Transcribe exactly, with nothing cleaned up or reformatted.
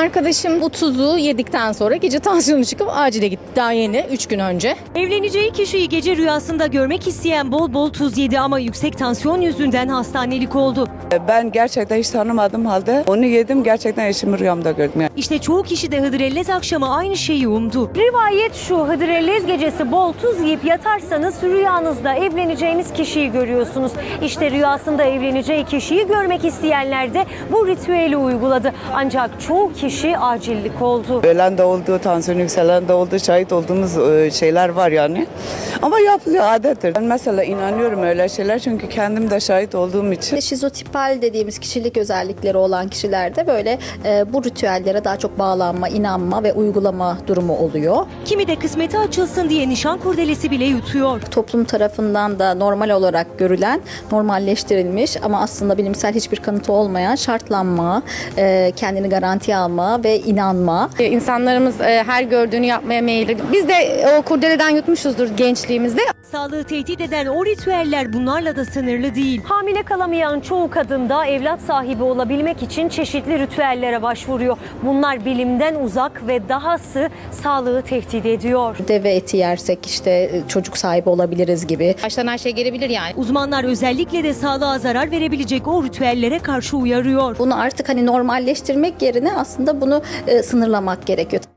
arkadaşım bu tuzu yedikten sonra gece tansiyonu çıkıp acile gitti. Daha yeni üç gün önce. Evleneceği kişiyi gece rüyasında görmek isteyen bol bol tuz yedi ama yüksek tansiyon yüzünden hastanelik oldu. Ben gerçekten hiç tanımadığım halde onu yedim, gerçekten eşimi rüyamda gördüm. Yani. İşte çoğu kişi de Hıdrellez akşamı aynı şeyi umdu. Rivayet şu: Hıdrellez gecesi bol tuz yiyip yatarsanız rüyanızda evleneceğiniz kişiyi görüyorsunuz. İşte rüyasında evleneceği kişiyi görmek isteyenler de bu ritüeli uyguladı. Ancak çoğu kişi acillik oldu. Ölen de oldu, tansiyon yükselen de oldu, şahit olduğumuz şeyler var yani. Ama yapılıyor, adettir. Ben mesela inanıyorum öyle şeyler çünkü kendim de şahit olduğum için. Şizotipal dediğimiz kişilik özellikleri olan kişilerde böyle e, bu ritüellere daha çok bağlanma, inanma ve uygulama durumu oluyor. Kimi de kısmeti açılsın diye nişan kurdelesi bile yutuyor. Toplum tarafından da normal olarak görülen, normalleştirilmiş ama aslında bilimsel hiçbir kanıtı olmayan şartlanma, e, kendini garantiye alma ve inanma. İnsanlarımız e, her gördüğünü yapmaya meyilli. Biz de o kurdeleden yutmuşuzdur gençliğimizde. Sağlığı tehdit eden o ritüeller bunlarla da sınırlı değil. Hamile kalamayan çoğu kadın da evlat sahibi olabilmek için çeşitli ritüellere başvuruyor. Bunlar bilimden uzak ve dahası sağlığı tehdit ediyor. Deve eti yersek işte çocuk sahibi olabiliriz gibi. Baştan her şey gelebilir yani. Uzmanlar özellikle de sağlığa zarar verebilecek o ritüellere karşı uyarıyor. Bunu artık hani normalleştirmek yerine aslında bunu e, sınırlamak gerekiyor.